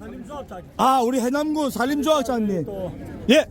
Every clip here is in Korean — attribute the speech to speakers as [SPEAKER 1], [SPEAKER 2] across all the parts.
[SPEAKER 1] 아, 우리 해남군 산림조합장님. 예.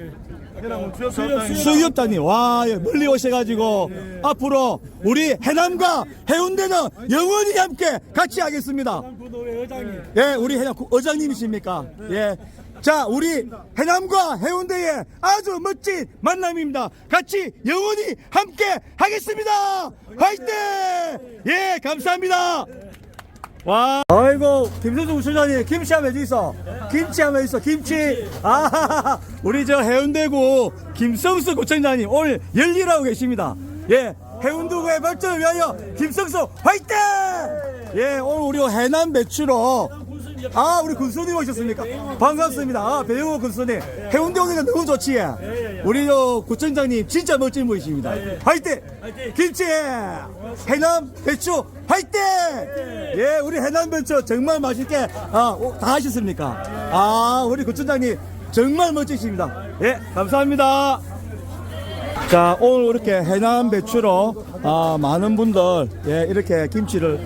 [SPEAKER 1] 수협단님, 와, 멀리 오셔가지고 앞으로 우리 해남과 해운대는 영원히 함께 같이 하겠습니다. 예, 우리 해남 의장님이십니까? 예. 자, 우리 해남과 해운대의 아주 멋진 만남입니다. 같이 영원히 함께 하겠습니다. 화이팅! 예, 감사합니다. 와, 아이고, 김선수 우수장님, 김치 하면 있어. 김치 하면 있어, 김치. 아, 우리 저 해운대구 김성수 구청장님 오늘 열일하고 계십니다. 예, 해운대구의 발전을 위하여 김성수 화이팅! 예, 오늘 우리 해남 배추로. 아, 우리 군수님 오셨습니까? 반갑습니다. 아, 배영호 군수님. 해운대 오니까 너무 좋지. 우리 구청장님 진짜 멋진 분이십니다. 화이팅! 김치! 해남 배추 화이팅! 예, 우리 해남 배추 정말 맛있게 다 하셨습니까? 아, 우리 구청장님 정말 멋지십니다. 예, 감사합니다. 자, 오늘 이렇게 해남 배추로 많은 분들 이렇게 김치를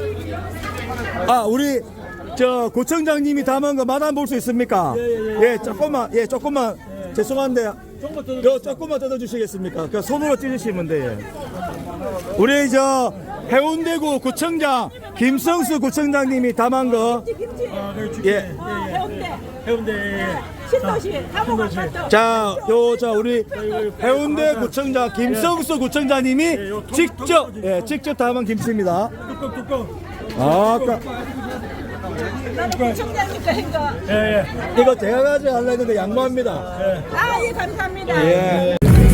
[SPEAKER 1] 우리 저 구청장님이 담은 거 맛 안 볼 수 있습니까? 예, 조금만 죄송한데 조금만 뜯어주시겠습니까? 그 손으로 찢으시면 돼요. 우리 저 해운대구 구청장 김성수 구청장님이 담은 거. 예.
[SPEAKER 2] 해운대 신도시 사무관.
[SPEAKER 1] 자, 우리 해운대 구청장 김성수 구청장님이 직접 담은 김치입니다.
[SPEAKER 2] 나는 구청장님과 행거.
[SPEAKER 1] 이거 제가 가져가려고 했는데 양보합니다.
[SPEAKER 2] 아, 예, 감사합니다.
[SPEAKER 1] 예.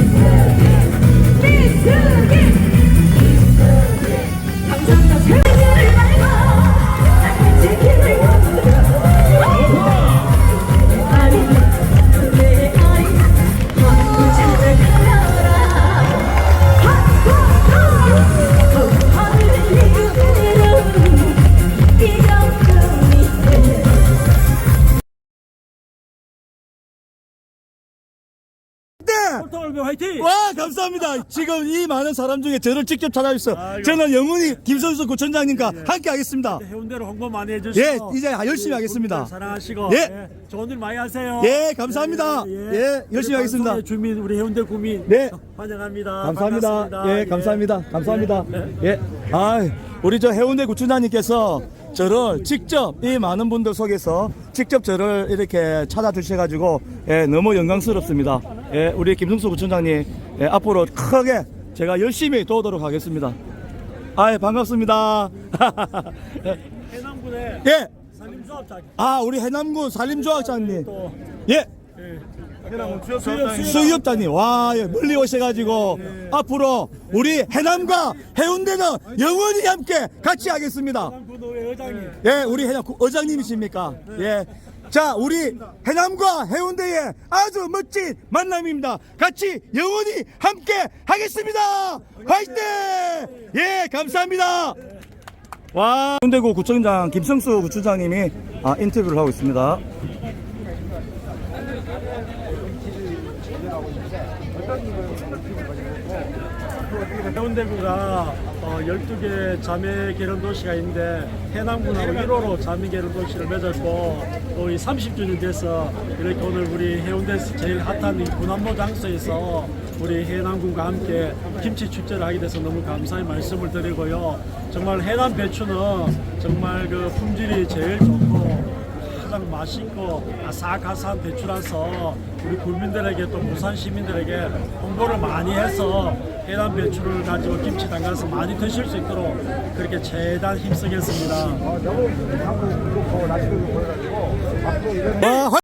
[SPEAKER 2] 화이팅!
[SPEAKER 1] 와, 감사합니다. 지금 이 많은 사람 중에 저를 직접 찾아주셔서 저는 영원히 김선수 구청장님과 함께 하겠습니다.
[SPEAKER 2] 해운대로 홍보 많이 해주시고.
[SPEAKER 1] 예, 이제 열심히 하겠습니다.
[SPEAKER 2] 사랑하시고.
[SPEAKER 1] 예.
[SPEAKER 2] 좋은 일 많이 하세요.
[SPEAKER 1] 예, 감사합니다. 예, 열심히 하겠습니다.
[SPEAKER 2] 주민, 우리 해운대 구민.
[SPEAKER 1] 네.
[SPEAKER 2] 환영합니다.
[SPEAKER 1] 감사합니다.
[SPEAKER 2] 반갑습니다.
[SPEAKER 1] 예, 감사합니다. 감사합니다. 예. 우리 저 해운대 구청장님께서 저를 직접 이 많은 분들 속에서 직접 저를 이렇게 찾아주셔가지고 너무 영광스럽습니다. 예, 우리 김성수 구청장님 앞으로 크게 제가 열심히 도우도록 하겠습니다. 반갑습니다.
[SPEAKER 2] 해남군의
[SPEAKER 1] 예.
[SPEAKER 2] 산림조합장.
[SPEAKER 1] 우리 해남군 산림조합장님. 예. 수협단님, 와, 멀리 오셔가지고 앞으로 우리 해남과 해운대는 영원히 함께 같이 하겠습니다. 예, 우리 해남 의장님이십니까? 예. 자, 우리 해남과 해운대의 아주 멋진 만남입니다. 같이 영원히 함께 하겠습니다. 화이팅! 예, 감사합니다. 와, 해운대구 구청장 김성수 구청장님이 인터뷰를 하고 있습니다.
[SPEAKER 2] 해운대구가 12개 자매 계룡 도시가 있는데 해남군하고 1호로 자매 계룡 도시를 맺었고 또 이 30주년 돼서 이렇게 오늘 우리 해운대에서 제일 핫한 이 군함모 장소에서 우리 해남군과 함께 김치 축제를 하게 돼서 너무 감사의 말씀을 드리고요. 정말 해남 배추는 정말 그 품질이 제일 좋고 가장 맛있고 아삭아삭한 배추라서 우리 국민들에게 또 부산 시민들에게 홍보를 많이 해서 해남 배추를 가지고 김치 담가서 많이 드실 수 있도록 그렇게 최대한 힘쓰겠습니다.